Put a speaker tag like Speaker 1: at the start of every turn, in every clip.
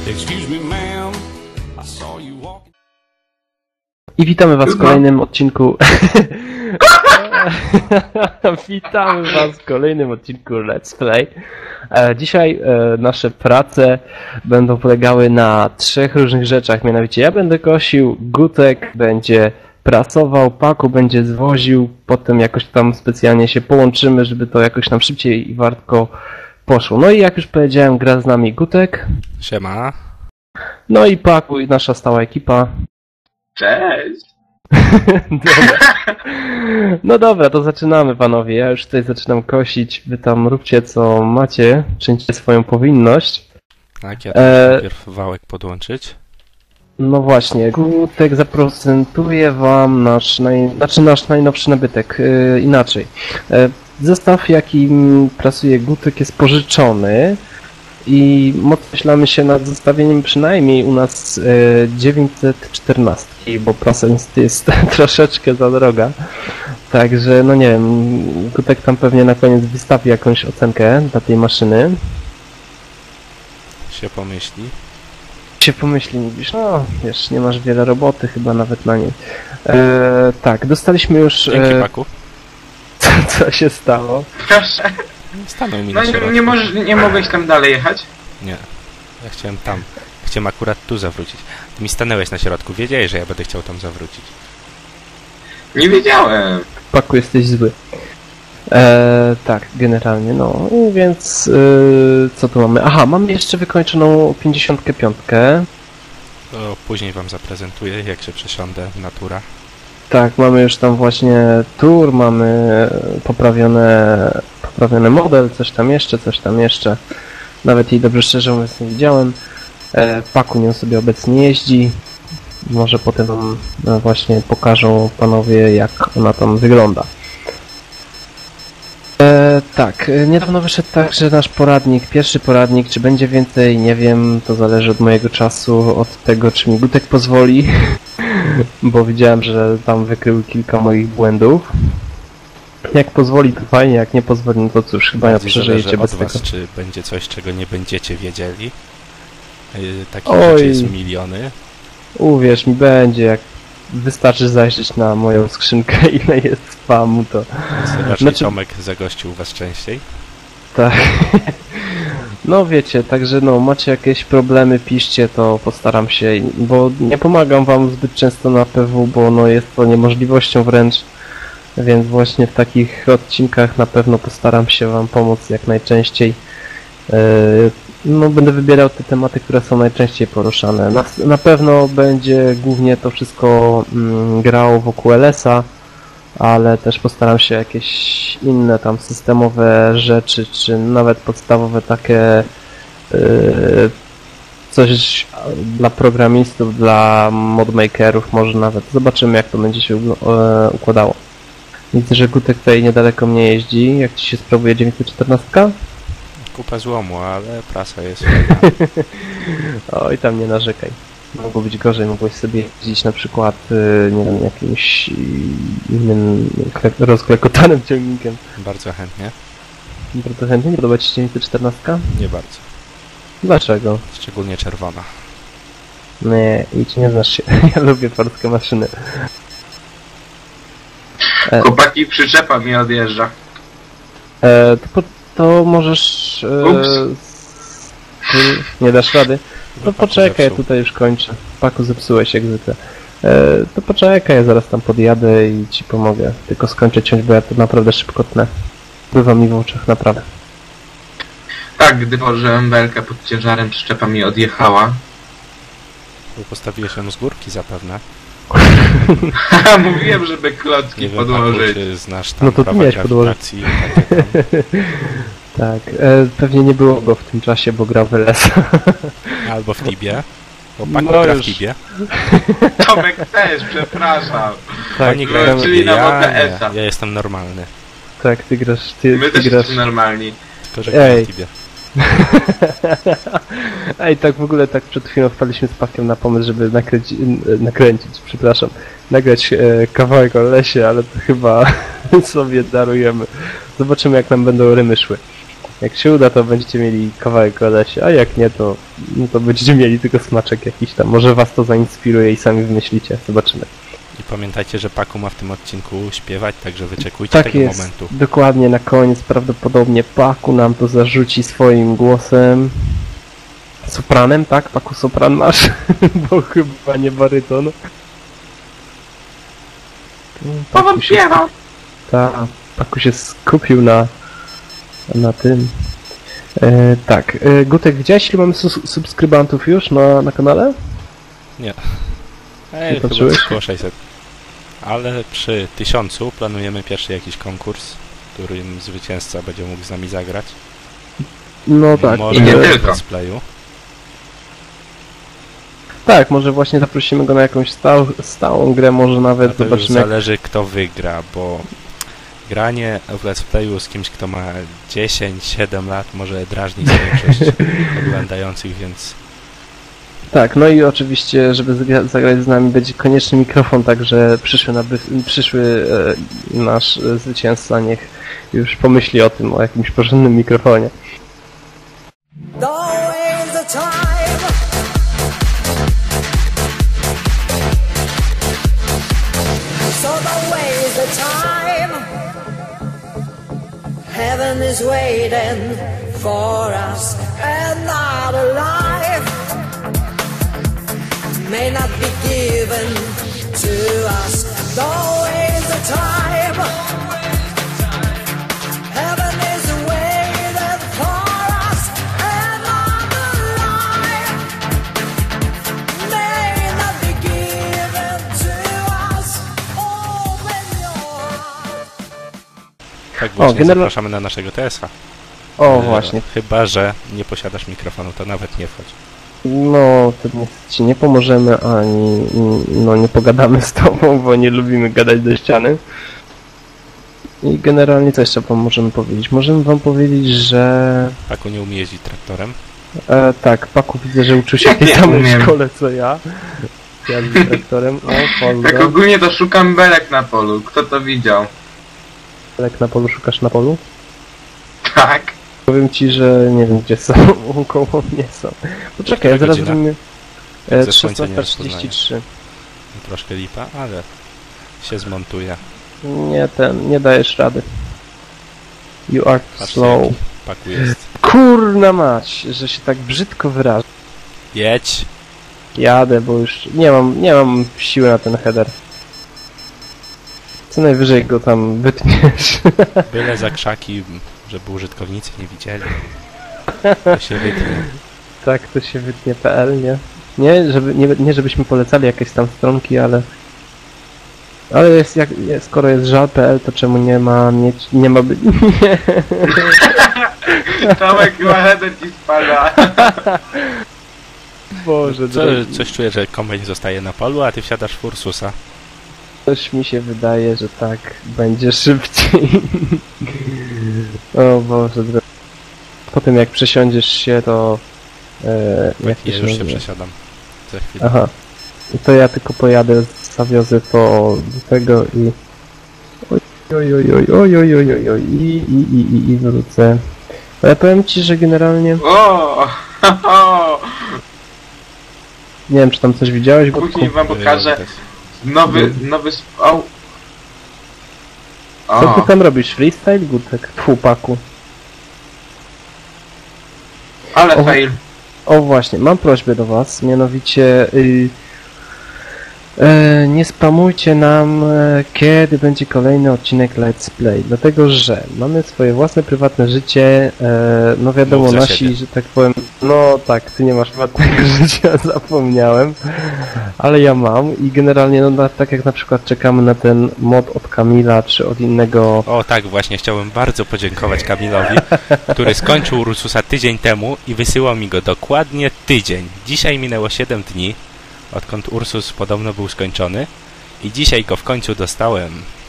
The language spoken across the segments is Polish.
Speaker 1: Excuse me, ma'am, I saw you walking.
Speaker 2: I witamy was w kolejnym odcinku... Witamy was w kolejnym odcinku Let's Play. Dzisiaj nasze prace będą polegały na 3 różnych rzeczach, mianowicie ja będę kosił, Gutek będzie prasował, Paku będzie zwoził, potem jakoś tam specjalnie się połączymy, żeby to jakoś tam szybciej i wartko poszło. No i jak już powiedziałem, gra z nami Gutek.
Speaker 3: Siema.
Speaker 2: No i Paku i nasza stała ekipa.
Speaker 4: Cześć!
Speaker 2: Dobra. No dobra, to zaczynamy panowie. Ja już tutaj zaczynam kosić. Wy tam róbcie co macie. Czyńcie swoją powinność.
Speaker 3: Tak, ja najpierw wałek podłączyć.
Speaker 2: No właśnie, Gutek zaprezentuje wam nasz najnowszy nabytek. Inaczej. Zestaw, jakim pracuje Gutek, jest pożyczony. I podkreślamy się nad zostawieniem przynajmniej u nas 914, bo prasa jest troszeczkę za droga. Także, no nie wiem, Gutek tam pewnie na koniec wystawi jakąś ocenkę dla tej maszyny.
Speaker 3: Się pomyśli.
Speaker 2: Mówisz, no wiesz, nie masz wiele roboty chyba nawet na niej. Tak, dostaliśmy już...
Speaker 3: Dzięki, Paku.
Speaker 2: Co się stało?
Speaker 4: Proszę.
Speaker 3: Stanął mi
Speaker 4: No
Speaker 3: na środku.
Speaker 4: nie mogłeś tam dalej jechać?
Speaker 3: Nie. Ja chciałem tam. Chciałem akurat tu zawrócić. Ty mi stanęłeś na środku. Wiedziałeś, że ja będę chciał tam zawrócić.
Speaker 4: Nie wiedziałem.
Speaker 2: Paku, jesteś zły. Tak, generalnie, no. I więc co tu mamy? Aha, mamy jeszcze wykończoną 55.
Speaker 3: To później wam zaprezentuję, jak się przesiądę na tura.
Speaker 2: Tak, mamy już tam właśnie tour, mamy poprawiony model, coś tam jeszcze. Nawet jej dobrze szczerze mówiąc nie widziałem. Paku nią sobie obecnie jeździ. Może potem wam właśnie pokażą panowie, jak ona tam wygląda. Tak, niedawno wyszedł także nasz poradnik, pierwszy poradnik, czy będzie więcej, nie wiem, to zależy od mojego czasu, od tego, czy mi Gutek pozwoli, bo widziałem, że tam wykrył kilka moich błędów. Jak pozwoli, to fajnie, jak nie pozwoli, no to cóż, chyba ja przeżyjecie bez
Speaker 3: was,
Speaker 2: tego.
Speaker 3: czy będzie coś, czego nie będziecie wiedzieli. Takich
Speaker 2: Oj.
Speaker 3: rzeczy jest miliony.
Speaker 2: Uwierz mi, będzie, jak wystarczy zajrzeć na moją skrzynkę, ile jest spamu, to...
Speaker 3: Raczej Tomek zagościł was częściej.
Speaker 2: Tak. No wiecie, także no, macie jakieś problemy, piszcie, to postaram się, bo nie pomagam wam zbyt często na PW, bo no jest to niemożliwością wręcz, więc właśnie w takich odcinkach na pewno postaram się wam pomóc jak najczęściej. No będę wybierał te tematy, które są najczęściej poruszane. Na pewno będzie głównie to wszystko grało wokół LS-a, ale też postaram się jakieś inne tam systemowe rzeczy, czy nawet podstawowe takie coś dla programistów, dla modmakerów może nawet. Zobaczymy, jak to będzie się układało. Widzę, że Gutek tutaj niedaleko mnie jeździ. Jak ci się sprawuje 914?
Speaker 3: Kupa złomu, ale prasa jest...
Speaker 2: Oj, tam nie narzekaj. Mogło być gorzej, mogłeś sobie jeździć na przykład, nie wiem, jakimś innym rozklekotanym ciągnikiem.
Speaker 3: Bardzo chętnie.
Speaker 2: Bardzo chętnie. Nie podoba ci się 914?
Speaker 3: Nie bardzo.
Speaker 2: Dlaczego?
Speaker 3: Szczególnie czerwona.
Speaker 2: Nie, idź, nie znasz się. Ja lubię polskie maszyny.
Speaker 4: Chłopaki, przyczepa mi odjeżdża.
Speaker 2: To możesz... nie dasz rady? To poczekaj, ja tutaj już kończę. Paku, zepsułeś jak zwykle. To poczekaj, ja zaraz tam podjadę i ci pomogę. Tylko skończę ciąć, bo ja to naprawdę szybko tnę. Bywa mi w oczach, naprawdę.
Speaker 4: Tak, gdy położyłem belkę pod ciężarem, przyczepa mi odjechała.
Speaker 3: Bo postawiłeś ją z górki zapewne.
Speaker 4: Haha, mówiłem, żeby klocki
Speaker 3: Nie wiem,
Speaker 4: podłożyć.
Speaker 3: Paku, czy znasz tam
Speaker 2: No to ty
Speaker 3: prawa
Speaker 2: miałeś podłożyć.
Speaker 3: grawitacji i takie tam.
Speaker 2: Tak, pewnie nie było go w tym czasie, bo grał w LS.
Speaker 3: Albo w Tibie. Bo Paku
Speaker 2: No
Speaker 3: gra w
Speaker 2: już.
Speaker 3: Tibie.
Speaker 4: Tomek też, przepraszam.
Speaker 2: Tak,
Speaker 3: Oni grają w
Speaker 4: czyli
Speaker 3: Tibie,
Speaker 4: na
Speaker 3: ja
Speaker 4: OTS-a.
Speaker 3: nie. Ja jestem normalny.
Speaker 2: tak, ty grasz,
Speaker 4: My
Speaker 2: ty
Speaker 4: też
Speaker 2: grasz.
Speaker 4: jesteśmy normalni.
Speaker 3: Tylko, że gram
Speaker 2: Ej.
Speaker 3: w Tibie.
Speaker 2: Ej, tak w ogóle tak przed chwilą wpadliśmy z Pakiem na pomysł, żeby nagrać kawałek o lesie, ale to chyba sobie darujemy. Zobaczymy, jak nam będą rymy szły. Jak się uda, to będziecie mieli kawałek Odesie, a jak nie, to, no to będziecie mieli tylko smaczek jakiś tam. Może was to zainspiruje i sami wymyślicie. Zobaczymy.
Speaker 3: I pamiętajcie, że Paku ma w tym odcinku śpiewać, także wyczekujcie
Speaker 2: Tak
Speaker 3: tego
Speaker 2: jest.
Speaker 3: momentu.
Speaker 2: Dokładnie na koniec prawdopodobnie Paku nam to zarzuci swoim głosem. Sopranem, tak? Paku sopran masz? Bo chyba nie baryton.
Speaker 4: Paweł śpiewał!
Speaker 2: Tak, Paku się skupił na tym. Tak, Gutek, widziałeś ile mamy subskrybantów już na kanale?
Speaker 3: Nie.
Speaker 2: Nie
Speaker 3: Chyba
Speaker 2: patrzyłeś?
Speaker 3: około 600. Ale przy 1000 planujemy pierwszy jakiś konkurs, w którym zwycięzca będzie mógł z nami zagrać.
Speaker 2: No tak.
Speaker 3: Może
Speaker 4: I nie
Speaker 3: w
Speaker 4: tylko.
Speaker 3: let's playu.
Speaker 2: Tak, może właśnie zaprosimy go na jakąś stałą grę, może
Speaker 3: A
Speaker 2: nawet
Speaker 3: to już
Speaker 2: zobaczymy jak...
Speaker 3: zależy kto wygra, bo granie w let's playu z kimś kto ma 10-7 lat może drażnić większość oglądających, więc
Speaker 2: Tak, no i oczywiście, żeby zagrać z nami będzie konieczny mikrofon, także przyszły nasz zwycięzca niech już pomyśli o tym, o jakimś porządnym mikrofonie.
Speaker 5: Always the time. So the way is the time. Heaven is waiting for us, and not alive may not be given to us. Always the time. Heaven is waiting for us, and not alive may not be given to us. Open your heart.
Speaker 3: tak właśnie
Speaker 2: general-
Speaker 3: zapraszamy na naszego TS-a.
Speaker 2: O, właśnie.
Speaker 3: Chyba że nie posiadasz mikrofonu, to nawet nie wchodź.
Speaker 2: No, to ci nie pomożemy, ani no, nie pogadamy z tobą, bo nie lubimy gadać do ściany. I generalnie co jeszcze wam możemy powiedzieć? Możemy wam powiedzieć, że...
Speaker 3: Paku nie umie jeździć traktorem.
Speaker 2: tak, Paku widzę, że uczył się w tej
Speaker 4: Nie
Speaker 2: samej
Speaker 4: umiem.
Speaker 2: szkole co ja. Z traktorem. O,
Speaker 4: Tak
Speaker 2: pozdro.
Speaker 4: ogólnie to szukam belek na polu. Kto to widział?
Speaker 2: Jak na polu szukasz na polu?
Speaker 4: Tak.
Speaker 2: Powiem ci, że nie wiem gdzie są, koło mnie są. Poczekaj, ja zaraz
Speaker 3: godzina?
Speaker 2: zrobimy...
Speaker 3: Ze słońca nie
Speaker 2: 16:33.
Speaker 3: Troszkę lipa, ale się zmontuje.
Speaker 2: Nie dajesz rady. You are
Speaker 3: Patrzcie,
Speaker 2: slow.
Speaker 3: jaki Paku jest.
Speaker 2: Kurna mać, że się tak brzydko wyrażę.
Speaker 3: Jedź!
Speaker 2: Jadę, bo już nie mam siły na ten header. Co najwyżej go tam wytniesz.
Speaker 3: Byle za krzaki, żeby użytkownicy nie widzieli. To się wytnie.
Speaker 2: Tak, to się wytnie.pl, nie? Nie, żebyśmy polecali jakieś tam stronki, ale... Ale skoro jest żal.pl, to czemu nie ma być...
Speaker 4: Tomek chyba header ci spada.
Speaker 2: Boże,
Speaker 3: Coś czuję, że kombajn zostaje na polu, a ty wsiadasz w Ursusa.
Speaker 2: coś mi się wydaje, że tak będzie szybciej. O Boże, potem jak przesiądziesz się, to... jak to
Speaker 3: Ja już się
Speaker 2: nazywa?
Speaker 3: przesiadam. Za chwilę.
Speaker 2: Aha. To ja tylko pojadę, zawiozę to do tego i... Oj, i wrócę. Ale powiem ci, że generalnie...
Speaker 4: O!
Speaker 2: Nie wiem, czy tam coś widziałeś, Gutku?
Speaker 4: Później wam pokażę
Speaker 3: Ja też.
Speaker 4: nowy o!
Speaker 2: Co ty
Speaker 4: O!
Speaker 2: tam robisz? Freestyle, Gutek? Tfu, Paku.
Speaker 4: Ale
Speaker 2: O.
Speaker 4: fail.
Speaker 2: O właśnie, mam prośbę do was, mianowicie nie spamujcie nam, kiedy będzie kolejny odcinek Let's Play, dlatego że mamy swoje własne prywatne życie, no wiadomo,
Speaker 3: Mów za
Speaker 2: nasi,
Speaker 3: siebie.
Speaker 2: że tak powiem, no tak, ty nie masz prywatnego życia, zapomniałem, ale ja mam i generalnie, no tak jak na przykład czekamy na ten mod od Kamila, czy od innego...
Speaker 3: O tak, właśnie chciałbym bardzo podziękować Kamilowi, który skończył Ursusa tydzień temu i wysyłał mi go dokładnie tydzień. Dzisiaj minęło 7 dni, odkąd Ursus podobno był skończony i dzisiaj go w końcu dostałem.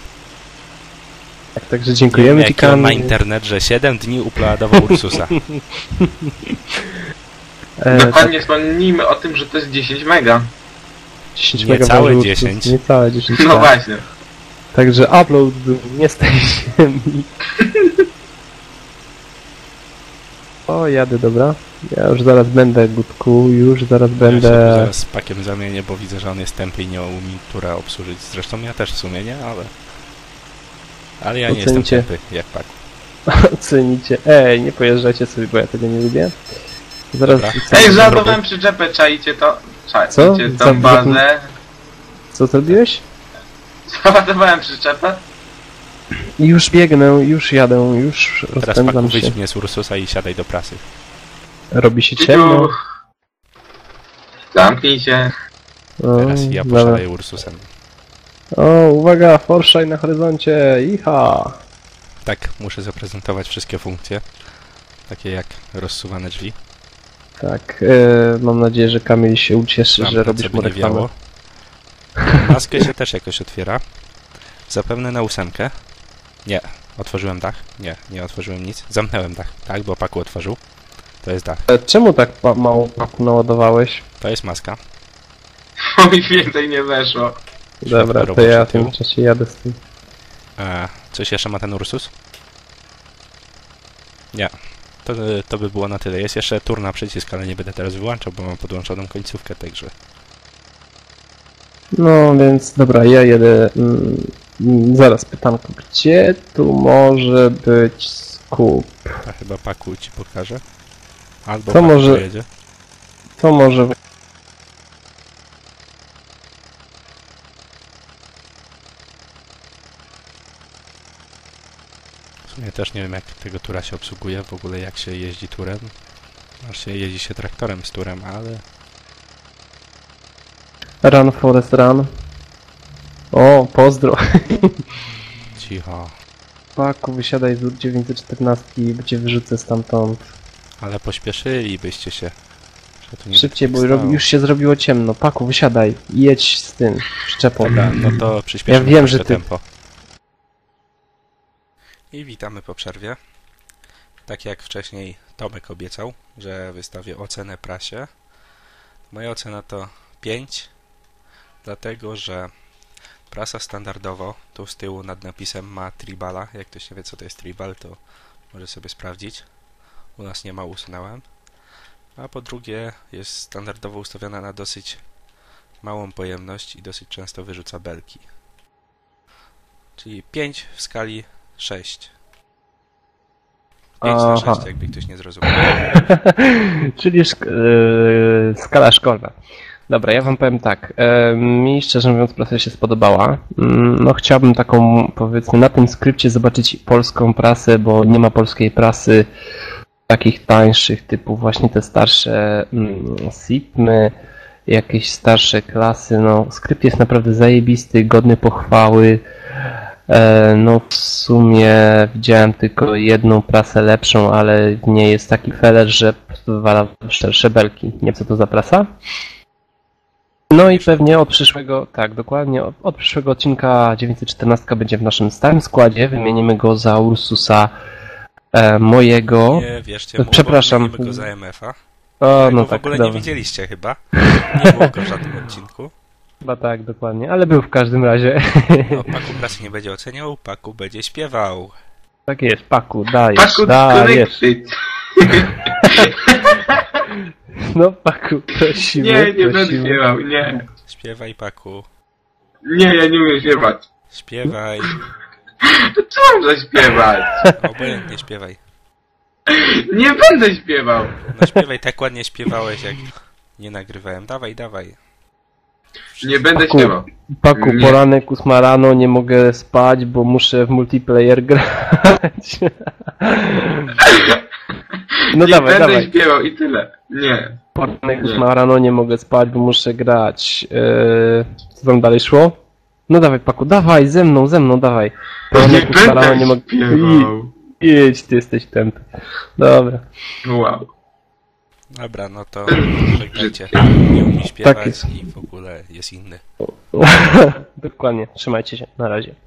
Speaker 2: Także
Speaker 3: Nie wiem,
Speaker 2: dziękujemy ci,
Speaker 3: jaki on ma
Speaker 2: Kamil.
Speaker 3: internet, że 7 dni uploadował Ursusa.
Speaker 4: Dokładnie wspomnijmy o tym, że to jest 10 mega.
Speaker 2: 10
Speaker 3: Niecałe
Speaker 2: megabajtów,
Speaker 3: 10.
Speaker 2: Niecałe 10.
Speaker 4: No
Speaker 2: tak.
Speaker 4: właśnie.
Speaker 2: Także upload był nie z tej ziemi. O, jadę, dobra. Ja już zaraz będę, Gutku, już zaraz
Speaker 3: Ja się
Speaker 2: będę.
Speaker 3: zaraz z pakiem zamienię, bo widzę, że on jest tępy i nie umie tura obsłużyć. Zresztą ja też w sumie nie, ale... Ale ja nie jestem
Speaker 2: Ocenicie.
Speaker 3: tępy, jak pak.
Speaker 2: Ocenicie. Ej, nie pojeżdżajcie sobie, bo ja tego nie lubię. Zaraz
Speaker 3: Dobra.
Speaker 2: wrzucam.
Speaker 4: Ej, załadowałem przyczepę, czajcie to.
Speaker 2: Co?
Speaker 4: Czajcie tą bazę.
Speaker 2: Co zrobiłeś?
Speaker 4: Załadowałem przyczepę.
Speaker 2: Już biegnę, już jadę, już
Speaker 3: Teraz
Speaker 2: rozpędzam
Speaker 3: paku
Speaker 2: się.
Speaker 3: wyjdź mnie z Ursusa i siadaj do prasy.
Speaker 2: Robi się ciemno.
Speaker 4: Zamknij się.
Speaker 2: O,
Speaker 3: Teraz ja
Speaker 2: dobra.
Speaker 3: posiadaję Ursusem.
Speaker 2: O, uwaga, Porsche na horyzoncie, iha!
Speaker 3: Tak, muszę zaprezentować wszystkie funkcje. Takie jak rozsuwane drzwi.
Speaker 2: Tak, mam nadzieję, że Kamil się ucieszy, że
Speaker 3: Lampę,
Speaker 2: robisz
Speaker 3: co by
Speaker 2: mu
Speaker 3: nie
Speaker 2: reklamę.
Speaker 3: wiało. Maskę się też jakoś otwiera. Zapewne na 8. Nie. Otworzyłem dach? Nie, nie otworzyłem nic. Zamknąłem dach, tak, bo paku otworzył. To jest dach.
Speaker 2: Czemu tak mało paku naładowałeś?
Speaker 3: To jest maska.
Speaker 4: Bo mi więcej nie weszło.
Speaker 2: Dobra, to
Speaker 3: roboczy
Speaker 2: ja w
Speaker 3: tył.
Speaker 2: tym czasie jadę z tym.
Speaker 3: Coś jeszcze ma ten Ursus? Nie. To by było na tyle. Jest jeszcze turna przycisk, ale nie będę teraz wyłączał, bo mam podłączoną końcówkę, także...
Speaker 2: No więc dobra, ja jedę. Zaraz pytanko, gdzie tu może być skup?
Speaker 3: A chyba paku ci pokażę. Albo
Speaker 2: To
Speaker 3: paku
Speaker 2: może-
Speaker 3: dojedzie.
Speaker 2: To może.
Speaker 3: W sumie też nie wiem, jak tego tura się obsługuje, w ogóle jak się jeździ turem. Właśnie jeździ się traktorem z turem, ale...
Speaker 2: Run Forest Run. O, pozdro.
Speaker 3: Cicho.
Speaker 2: Paku, wysiadaj z 914 i cię wyrzucę stamtąd.
Speaker 3: Ale pośpieszylibyście się. Że tu nie
Speaker 2: Szybciej, bo
Speaker 3: stało.
Speaker 2: już się zrobiło ciemno. Paku, wysiadaj i jedź z tym przyczepą.
Speaker 3: Dobra, no to przyspieszymy
Speaker 2: Ja wiem,
Speaker 3: troszkę
Speaker 2: że ty-
Speaker 3: tempo. I witamy po przerwie. Tak jak wcześniej Tomek obiecał, że wystawię ocenę prasie. Moja ocena to 5, dlatego że prasa standardowo tu z tyłu nad napisem ma tribala. Jak ktoś nie wie, co to jest tribal, to może sobie sprawdzić. U nas nie ma, usunąłem. A po drugie jest standardowo ustawiona na dosyć małą pojemność i dosyć często wyrzuca belki. Czyli 5 w skali 6. 5 na
Speaker 2: Aha.
Speaker 3: 6, jakby ktoś nie zrozumiał.
Speaker 2: Czyli skala szkolna. Dobra, ja wam powiem tak. Mi szczerze mówiąc prasa się spodobała. No chciałbym taką, powiedzmy, na tym skrypcie zobaczyć polską prasę, bo nie ma polskiej prasy takich tańszych, typu właśnie te starsze SIPMy, jakieś starsze klasy. No skrypt jest naprawdę zajebisty, godny pochwały. No w sumie widziałem tylko jedną prasę lepszą, ale w niej jest taki feler, że po prostu wywala szersze belki. Nie wiem, co to za prasa? No i pewnie od przyszłego, tak dokładnie, od przyszłego odcinka 914 będzie w naszym stałym składzie. Wymienimy go za Ursusa mojego.
Speaker 3: Nie, wierzcie,
Speaker 2: Przepraszam.
Speaker 3: wymienimy go za MF-a.
Speaker 2: O, no
Speaker 3: w
Speaker 2: tak,
Speaker 3: ogóle nie
Speaker 2: dobra.
Speaker 3: widzieliście chyba. Nie było go w żadnym odcinku.
Speaker 2: Chyba tak, dokładnie, ale był w każdym razie.
Speaker 3: No, Paku prasy nie będzie oceniał, Paku będzie śpiewał.
Speaker 2: Tak jest, Paku, dajesz,
Speaker 4: Paku,
Speaker 2: dajesz.
Speaker 4: connected.
Speaker 2: No Paku, prosimy,
Speaker 4: Nie, nie będę
Speaker 2: prosimy.
Speaker 4: śpiewał, nie.
Speaker 3: Śpiewaj, Paku.
Speaker 4: Nie, ja nie umiem śpiewać.
Speaker 3: Śpiewaj.
Speaker 4: To co mam zaśpiewać?
Speaker 3: Obojętnie śpiewaj.
Speaker 4: Nie będę śpiewał.
Speaker 3: No śpiewaj, tak ładnie śpiewałeś, jak nie nagrywałem. Dawaj, dawaj.
Speaker 4: Nie będę
Speaker 2: Paku.
Speaker 4: śpiewał.
Speaker 2: Paku,
Speaker 4: Nie.
Speaker 2: poranek 8 rano, nie mogę spać, bo muszę w multiplayer grać. No
Speaker 4: Nie
Speaker 2: dawaj,
Speaker 4: będę
Speaker 2: dawaj.
Speaker 4: śpiewał i tyle. Nie.
Speaker 2: Poranek
Speaker 4: Nie.
Speaker 2: 8 rano, nie mogę spać, bo muszę grać. Co tam dalej szło? No dawaj, Paku, dawaj, ze mną, dawaj.
Speaker 4: Nie
Speaker 2: Poranek 8 rano,
Speaker 4: będę
Speaker 2: nie mogę...
Speaker 4: śpiewał.
Speaker 2: Idź, ty jesteś tępy. Dobra.
Speaker 4: Wow.
Speaker 3: Dobra, no to żegnajcie. Nie umie śpiewać
Speaker 2: Tak jest.
Speaker 3: i w ogóle jest inny.
Speaker 2: Dokładnie, trzymajcie się, na razie.